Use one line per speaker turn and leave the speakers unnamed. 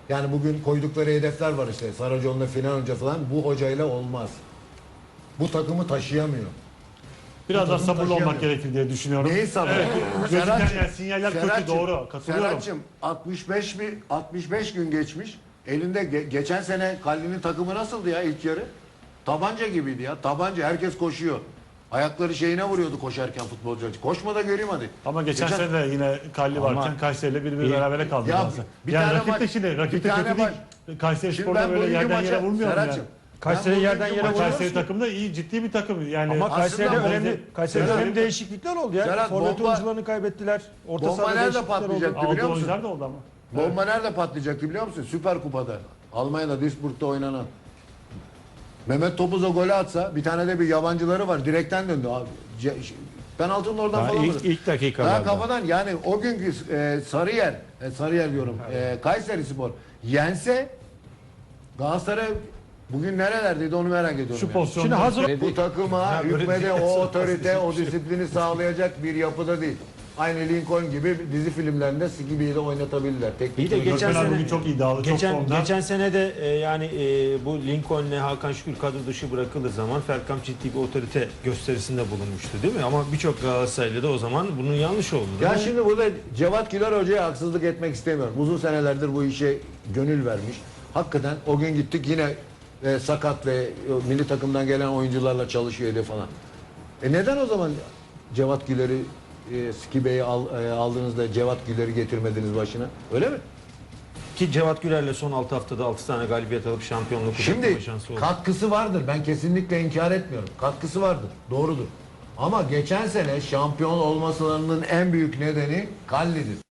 Yani bugün koydukları hedefler var işte. Saracoğlu'nda final hoca falan. Bu hocayla olmaz. Bu takımı taşıyamıyor.
Biraz daha
takım
sabırlı olmak
taşıyamıyor.
gerekir diye düşünüyorum.
Neyi sabır?
Evet, gözüken
Serhat'cığım,
yani sinyaller kötü,
Serhat'cığım,
doğru. Katılıyorum.
Serhat'cığım 65 gün geçmiş. Elinde geçen sene Kalli'nin takımı nasıldı ya ilk yarı? Tabanca gibiydi ya. Tabanca, herkes koşuyor. Ayakları şeyine vuruyordu koşarken futbolcular. Koşma da göreyim hadi.
Ama geçen sene de yine Kalli
Ama-
varken Kayseri'yle bir berabere kaldı.
Ya
Galatasaray.
bir
yani
tane
rakip de
maç-
şimdi rakip
bir
de
tane
kötü değil.
maç-
Kayseri
Şimdi
Spor'da
ben
böyle
bugünkü
yerden yere
maça-
vurmuyor yani.
Serhat'cığım,
Kayseri
ben
yerden
bugünkü
yere
maça-
vuruyor.
Kayseri takımı da iyi, ciddi bir takım. Yani
Ama
Aslında
Kayseri'de önemli, Kayseri'de
Serhat-
önemli değişiklikler oldu ya.
Serhat,
Forvet
bomba-
oyuncularını kaybettiler. Orta
bomba
sahada
nerede
değişiklikler oldu.
patlayacak?
aldığı
biliyor musun?
oyuncular da oldu ama.
Bomba nerede patlayacaktı biliyor musun? Süper Kupa'da. Almanya'da Duisburg'da oynanan. Mehmet Topuz'a golü atsa, bir tane de bir yabancıları var. Direkten döndü abi. Penaltının oradan
Daha
falan.
ilk-
vurdu.
ilk dakikalarda.
Daha kafadan yani o günkü Sarıyer diyorum. Kayserispor yense Galatasaray bugün nerelerdeydi onu merak ediyorum.
Şu
yani.
pozisyonda
Şimdi hazır
Bu takıma
böyle
hükmede
değil.
o otorite, o disiplini sağlayacak bir yapıda değil. Aynı Lincoln gibi dizi filmlerinde Skibi'yi de oynatabilirler. Teknik
İyi de
direktör-
geçen
Gökmen
sene
bugün çok iddialı, çok formda.
geçen sene de bu Lincoln'le Hakan Şükür kadro dışı bırakıldığı zaman Ferkamp ciddi bir otorite gösterisinde bulunmuştu değil mi? Ama birçok Galatasaraylı da o zaman bunun yanlış olduğunu.
Ya şimdi burada Cevat Güler Hoca'ya haksızlık etmek istemiyorum. Uzun senelerdir bu işe gönül vermiş. Hakikaten o gün gittik yine sakat ve milli takımdan gelen oyuncularla çalışıyordu falan. Neden o zaman Cevat Güler'i Skibe'yi aldığınızda Cevat Güler'i getirmediniz başına? Öyle mi?
Ki Cevat Güler'le son 6 haftada 6 tane galibiyet alıp şampiyonluk
Şimdi
kutlama şansı oldu.
katkısı vardır. Ben kesinlikle inkar etmiyorum. Katkısı vardır. Doğrudur. Ama geçen sene şampiyon olmalarının en büyük nedeni Kalli'dir.